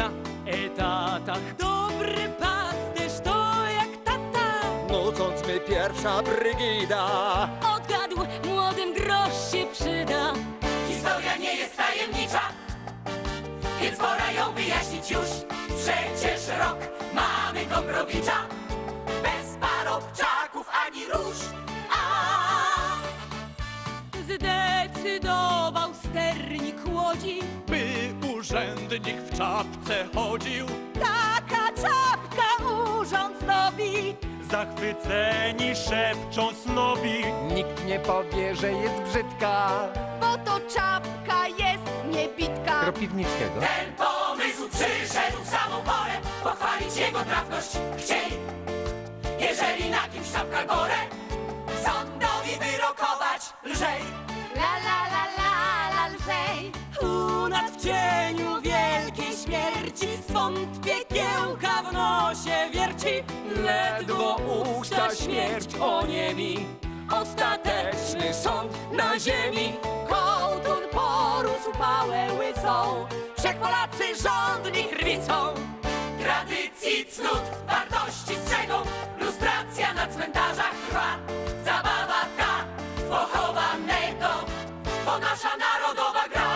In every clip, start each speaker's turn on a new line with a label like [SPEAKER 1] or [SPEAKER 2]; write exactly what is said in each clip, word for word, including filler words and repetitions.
[SPEAKER 1] na etatach. Dobry pasterz to jak tata,
[SPEAKER 2] nucąc my pierwsza brygida.
[SPEAKER 1] odgadł, młodym grosz się przyda.
[SPEAKER 3] Historia nie jest tajemnicza, więc pora ją wyjaśnić już. Przecież rok mamy Gombrowicza, bez parobczaków ani róż. A
[SPEAKER 1] Zdecydował sternik łodzi,
[SPEAKER 4] by urzędnik w czapce chodził.
[SPEAKER 1] taka czapka urząd zdobi.
[SPEAKER 4] Zachwyceni szepczą snobi.
[SPEAKER 2] Nikt nie powie, że jest brzydka.
[SPEAKER 1] Bo to czapka jest niebitka.
[SPEAKER 2] Kropiwnickiego.
[SPEAKER 3] ten pomysł przyszedł w samą porę, pochwalić jego trafność chcieli. Jeżeli na kimś czapka gorę, sądowi wyrokować lżej.
[SPEAKER 1] La la la la la lżej. U nas w cieniu wielkiej śmierci swąd piekiełka w nosie wierci. Ledwo usta śmierć oniemi, ostateczny sąd na ziemi. Kołtun porósł pałę łysą, wszech Polacy żądni krwi są.
[SPEAKER 3] Tradycji, cnót, wartości strzegą, lustracja na cmentarzach trwa. Zabawa ta pochowanego, to nasza narodowa gra.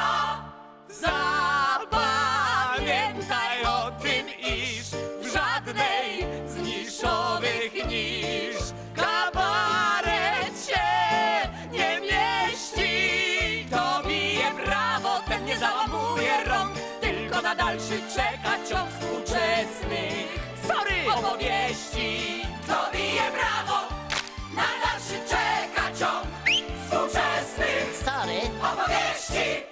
[SPEAKER 4] Zapamiętaj o tym, iż w żadnej z niszowych nisz kabaret się nie mieści.
[SPEAKER 1] To bije brawo, ten nie załamuje rąk, tylko na dalszy czeka ciąg współczesnych sorry opowieści.
[SPEAKER 3] To bije brawo, na dalszy czeka ciąg współczesnych
[SPEAKER 5] Sorry.
[SPEAKER 3] opowieści.